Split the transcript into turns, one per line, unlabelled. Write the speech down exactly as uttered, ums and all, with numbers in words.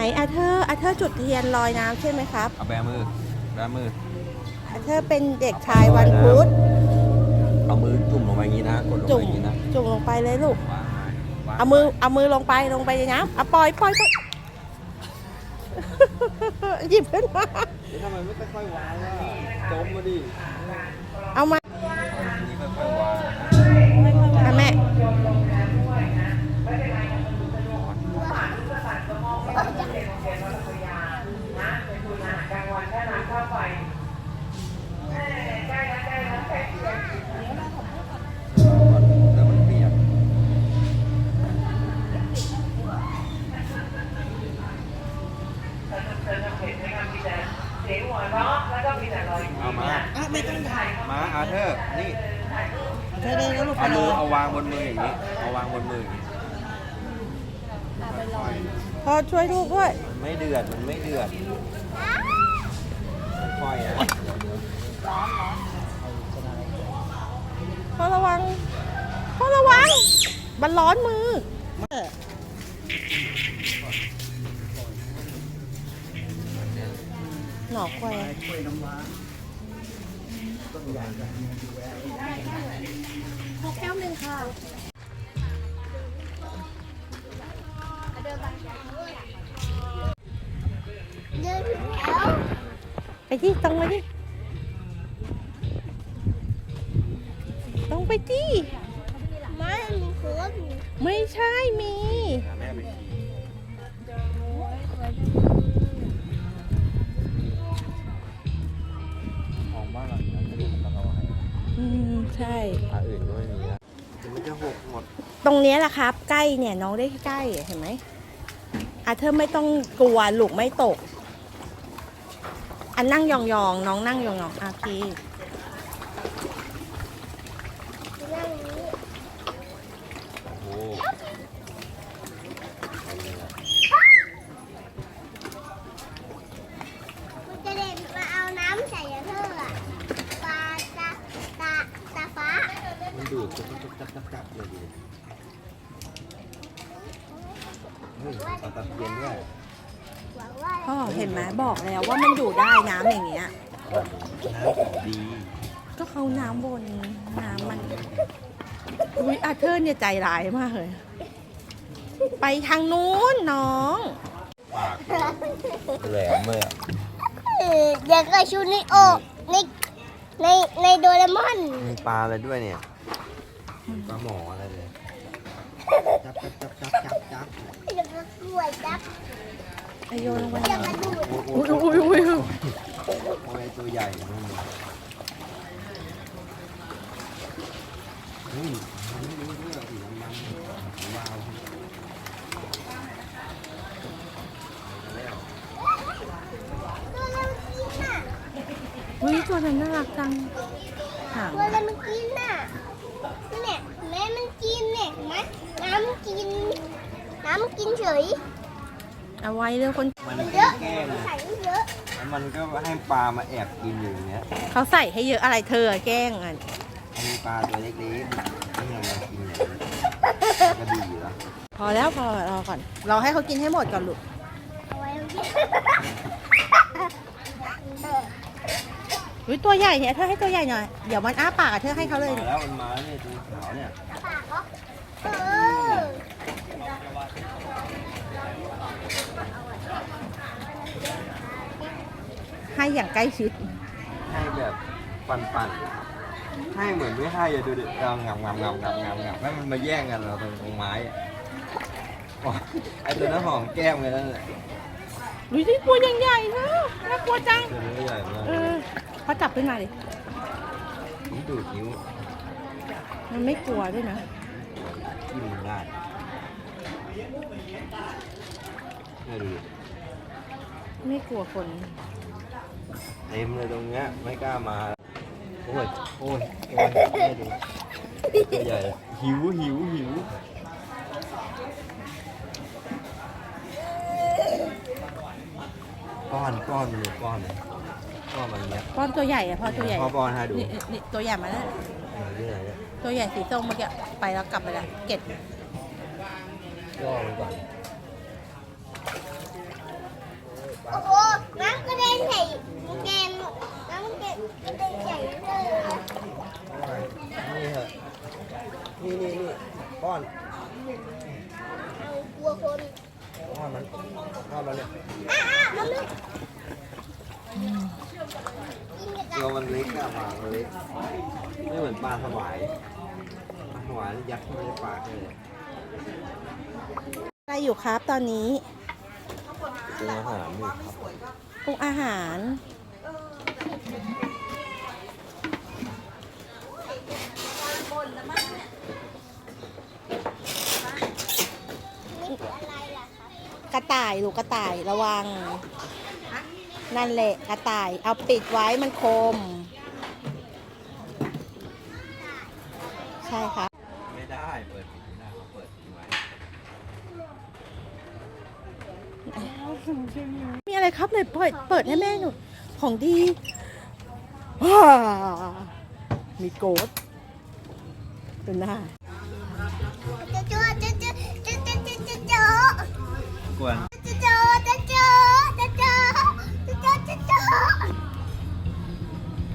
อาเธอร์อาเธอร์จุดเทียนลอยน้ำใช่ไหมครับ
เอาแบมือแบมือ
อาเธอร์เป็นเด็กชายวันพุธ
เอามือจุ่มลงไปอย่างนี้นะกดลงไปอย่างนี้นะ
จุ่มลงไปเลยลูก
วางวาง
เอามือเอามือลงไปลงไปในน้ำเอาปล่อยปล่อยปล่อยหยิบขึ้นมา
ทำไมไม่ค่อยๆวางล่ะจมมาดิ
เอามา
นี่ค่อยๆวาง
ค่ะแม่
แล้วมันเปียกเอามามาอาเธอร์นี่เอามือเอาวางบนมืออย่างนี้เอาวางบนมืออย่างนี้
พอช่วยลูกด้วย
มันไม่เดือดมันไม่เดือดค่อยๆนะ
พอระวังพอระวังมันร้อนมือหนอกแควขอแก้วหนึ่งค่ะไปที่ตรงไปที่ตรงไปที่
ไม่มีคน
ไม่ใช่มี
แม่ไปขี่ของบ้านเราเนี่ยจะดูมันเอาไว้
อืมใช่
ปลาอื่นก็ไม่มีนะมันจะหกหมด
ตรงนี้แหละครับใกล้เนี่ยน้องได้ใกล้เห็นไหมอาเธอไม่ต้องกลัวลูกไม่ตกอันนั่งยองๆน้องนั่งยองๆโอเค
โอ้
มันจะเด็นมาเอาน้ำใส่เธออะปลาตาตาตาฟ้า
มันดูดจุ๊บจุ๊บจับจับจับเลยดิเฮ้ยตาตาเย็นด้วย
พ่อเห็นไหมบอกแล้วว่ามันอยู่ได้น้ำอย่างเงี้ย
น้ำดี
ก็เขาน้ำบนน้ำมันอุ้ยอาเธอร์เนี่ยใจร้ายมากเลยไปทางนู้นน้อง
ปากแหลมเลยอ่ะ
เด็กกับชูนิโอในในในโดเรมอน
มีปลาอะไรด้วยเนี่ยปลาหมออะไรเลยจับจับจับจับจับจับ
เด็กกับกล้วยจับ
ไอโยนลงไป
อุ้ยอุ้ยอุ้ยอุ้ยโอ้ยตัวใหญ่นู่นเฮ้ยมันไม่รู้เรื่องสีน้ำมันว้าว
อุ้ยตัวนั้นน่ารักจัง
ตัวอะไรมันกินน่ะเนี่ยแม่มันกินเนี่ยนะน้ำมันกินน้ำมันกินเฉย
เอาไว้เรื่องคน
มันเยอะใส่เยอะ
แล้วมันก็ให้ปลามาแอบกินอยู่อย่างเงี้ย
เขาใส่ให้เยอะอะไรเธอแกล้งอ่ะ
มีปลาตัวเล็กๆให้มันมากินอย่างนี้ก็ดีอยู่แล้ว
พอแล้วพอรอก่อนเราให้เขากินให้หมดก่อนลูก
เอาไว้ตรงนี้
อุ้ยตัวใหญ่เนี่ยเธอให้ตัวใหญ่หน่อยเดี๋ยวมันอ้าปากเธอให้เขาเลย
มาแล้วมันมาเนี่ยตัวขาวเนี่ย
ปากเขาเออ
ให้อย่างใกล้ชิด
ให้แบบปั่นๆให้เหมือนไม่ให้อย่าดูดิเรางับงับงับงับงับงับให้มันมาแย่งกันเราตรงตรงไม้ไอตัวนั้นหอมแก้มเลยนั่นแหละ
อุ้ยนี่ตัวใหญ่ๆนะน่ากลัวจัง
ตัวใหญ่มาก
เออพอจับขึ้นมาดิ
นี่ดูดนิ้ว
มันไม่กลัวด้วยนะ
กินมันได้ไม่ดู
ไม่กลัวคน
เต็มเลยตรงเนี้ยไม่กล้ามาโอ้ยโอ้ยโอ้ยไม่ดูตัวใหญ่หิวหิวหิวก้อนก้อนมันอยู่ก้อนเลยก้อนมันเนี้ย
ก้อนตัวใหญ่อะพ่อตัวใหญ่
พ่อป้อนให้ดู
นี่ตัวใหญ่มาแล้วตัวใหญ่สีส้มเมื่อกี้ไปแล้วกลับไปแล้วเก็บ
ย่อมันก่อนแล้วเนี่ย
อ่ะอ่ะเอาเลยกินกัน
ตัวมันเล็กอะปากมันเล็กไม่เหมือนปลาสวายปลาสวายยัดเข้าไปในปากเลย
อะไรอยู่ครับตอนนี้
เป็นอาหารอยู่ครับ
ปรุงอาหาร
นี่คืออะไรล่ะครับ
กระต่ายลูกกระต่ายระวัง นั่นแหละกระต่าย เอาปิดไว้มันคม ใช่ครับ
ไม่ได้เปิดปิดไม่ได้เขาเปิดทิ้งไว้
มีอะไรครับเลยเปิดเปิดให้แม่หนูของดีว้ามีโกดเป็นหน้า
จะจะจะจะจะจะจะจะ
กวน